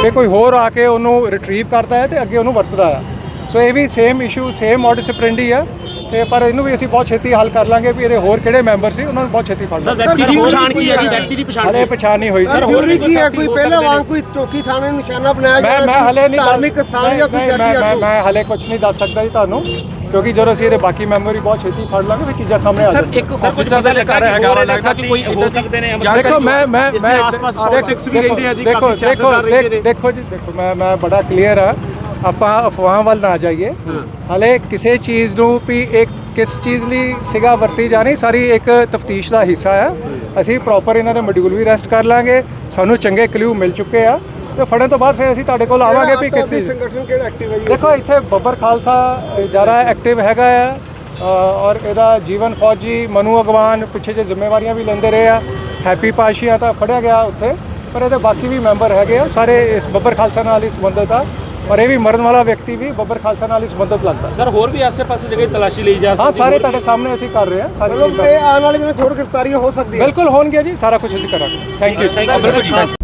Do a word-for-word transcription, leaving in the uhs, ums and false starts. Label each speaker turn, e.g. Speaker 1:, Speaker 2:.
Speaker 1: ਜੇ ਕੋਈ ਹੋਰ ਆ ਕੇ ਉਹਨੂੰ ਰਿਟਰੀਵ ਕਰਦਾ ਹੈ ਤੇ ਅੱਗੇ ਉਹਨੂੰ ਵਰਤਦਾ ਆ। ਸੋ ਇਹ ਵੀ same issue same modus operandi ਆ ਤੇ ਪਰ ਇਹਨੂੰ ਵੀ ਅਸੀਂ ਬਹੁਤ ਛੇਤੀ ਹੱਲ ਕਰ ਲਾਂਗੇ ਵੀ ਇਹਦੇ ਹੋਰ ਕਿਹੜੇ ਮੈਂਬਰ ਸੀ ਉਹਨਾਂ ਨੂੰ ਬਹੁਤ ਛੇਤੀ ਫੜ ਲਾਂਗੇ।
Speaker 2: ਵਿਅਕਤੀ ਦੀ ਪਛਾਣ ਕੀ ਹੈ ਜੀ? ਵਿਅਕਤੀ ਦੀ ਪਛਾਣ
Speaker 1: ਹਲੇ ਪਛਾਣ ਨਹੀਂ ਹੋਈ ਸਰ।
Speaker 3: ਹੋਰ ਵੀ ਕੀ ਹੈ? ਕੋਈ ਪਹਿਲਾਂ ਵਾਂਗ ਕੋਈ ਚੌਕੀ ਥਾਣੇ ਨੂੰ ਨਿਸ਼ਾਨਾ ਬਣਾਇਆ
Speaker 1: ਮੈਂ ਮੈਂ ਹਲੇ ਨਹੀਂ
Speaker 3: ਧਾਰਮਿਕ ਸਥਾਨ ਜਾਂ ਕੋਈ
Speaker 1: ਮੈਂ ਮੈਂ ਮੈਂ ਹਲੇ ਕੁਝ ਨਹੀਂ ਦੱਸ ਸਕਦਾ ਜੀ ਤੁਹਾਨੂੰ, ਕਿਉਂਕਿ ਜਦੋਂ ਅਸੀਂ ਇਹਦੇ ਬਾਕੀ ਮੈਂਬਰ ਵੀ ਬਹੁਤ ਛੇਤੀ ਫੜ ਲਾਂਗੇ ਫਿਰ ਚੀਜ਼ਾਂ ਸਾਹਮਣੇ ਆ ਜਾਣਗੀਆਂ।
Speaker 2: ਇੱਕ ਅਫਸਰ ਦਾ ਲੱਗਾ ਹੈਗਾ ਲੱਗਦਾ ਕਿ ਕੋਈ ਹੋ ਸਕਦੇ ਨੇ।
Speaker 1: ਦੇਖੋ ਮੈਂ ਮੈਂ ਮੈਂ
Speaker 2: ਆਸ-ਪਾਸ ਪੋਲਿਟਿਕਸ ਵੀ ਰਹਿੰਦੇ ਆ ਜੀ,
Speaker 1: ਦੇਖੋ
Speaker 2: ਕਾਫੀ ਸਿਆਸਤਦਾਨ ਰਹਿੰਦੇ ਨੇ।
Speaker 1: ਦੇਖੋ ਜੀ ਦੇਖੋ ਮੈਂ ਮੈਂ ਬੜਾ ਕਲੀਅਰ ਆ, ਆਪਾਂ ਅਫਵਾਹਾਂ ਵੱਲ ਨਾ ਜਾਈਏ। ਹਲੇ ਕਿਸੇ ਚੀਜ਼ ਨੂੰ ਵੀ ਇੱਕ ਕਿਸ ਚੀਜ਼ ਲਈ ਸਿਗਾ ਵਰਤੀ ਜਾਣੀ ਸਾਰੀ ਇੱਕ ਤਫਤੀਸ਼ ਦਾ ਹਿੱਸਾ ਹੈ। ਅਸੀਂ ਪ੍ਰੋਪਰ ਇਹਨਾਂ ਦੇ ਮੋਡਿਊਲ ਵੀ ਰੈਸਟ ਕਰ ਲਾਂਗੇ, ਸਾਨੂੰ ਚੰਗੇ ਕਲੂ ਮਿਲ ਚੁੱਕੇ ਆ ਤੇ ਫੜਨ ਤੋਂ ਬਾਅਦ ਫਿਰ ਅਸੀਂ ਤੁਹਾਡੇ ਕੋਲ ਆਵਾਂਗੇ ਵੀ ਕਿਸ ਚੀਜ਼।
Speaker 3: ਸੰਗਠਨ ਕਿਹੜਾ ਐਕਟਿਵ ਹੈ ਜੀ?
Speaker 1: ਦੇਖੋ ਇੱਥੇ ਬੱਬਰ ਖਾਲਸਾ ਜ਼ਿਆਦਾ ਐਕਟਿਵ ਹੈਗਾ ਆ ਔਰ ਇਹਦਾ ਜੀਵਨ ਫੌਜੀ ਮਨੂ ਅਗਵਾਨ ਪਿੱਛੇ ਜੇ ਜ਼ਿੰਮੇਵਾਰੀਆਂ ਵੀ ਲੈਂਦੇ ਰਹੇ ਆ। ਹੈਪੀ ਪਾਸ਼ੀਆ ਤਾਂ ਫੜਿਆ ਗਿਆ ਉੱਥੇ, ਪਰ ਇਹਦੇ ਬਾਕੀ ਵੀ ਮੈਂਬਰ ਹੈਗੇ ਆ ਸਾਰੇ ਇਸ ਬੱਬਰ ਖਾਲਸਾ ਨਾਲ ਹੀ ਸੰਬੰਧਿਤ ਆ ਔਰ ਇਹ ਵੀ ਮਰਨ ਵਾਲਾ ਵਿਅਕਤੀ ਵੀ ਬੱਬਰ ਖਾਲਸਾ ਨਾਲ ਹੀ ਸੰਬੰਧਿਤ ਲੱਗਦਾ।
Speaker 2: ਸਰ ਹੋਰ ਵੀ ਆਸੇ-ਪਾਸੇ ਜਗ੍ਹਾ ਤਲਾਸ਼ੀ ਲਈ ਜਾ ਸਕਦੀ ਹੈ?
Speaker 1: ਹਾਂ ਸਾਰੇ ਤੁਹਾਡੇ ਸਾਹਮਣੇ ਅਸੀਂ ਕਰ ਰਹੇ ਹਾਂ ਸਾਰੀ
Speaker 3: ਮਤਲਬ ਇਹ ਆਉਣ ਵਾਲੇ ਦਿਨਾਂ 'ਚ ਹੋਰ ਗ੍ਰਿਫਤਾਰੀਆਂ ਹੋ ਸਕਦੀਆਂ?
Speaker 1: ਬਿਲਕੁਲ ਹੋਣਗੀਆਂ ਜੀ, ਸਾਰਾ ਕੁਝ ਅਸੀਂ ਕਰਾਂਗੇ। Thank you.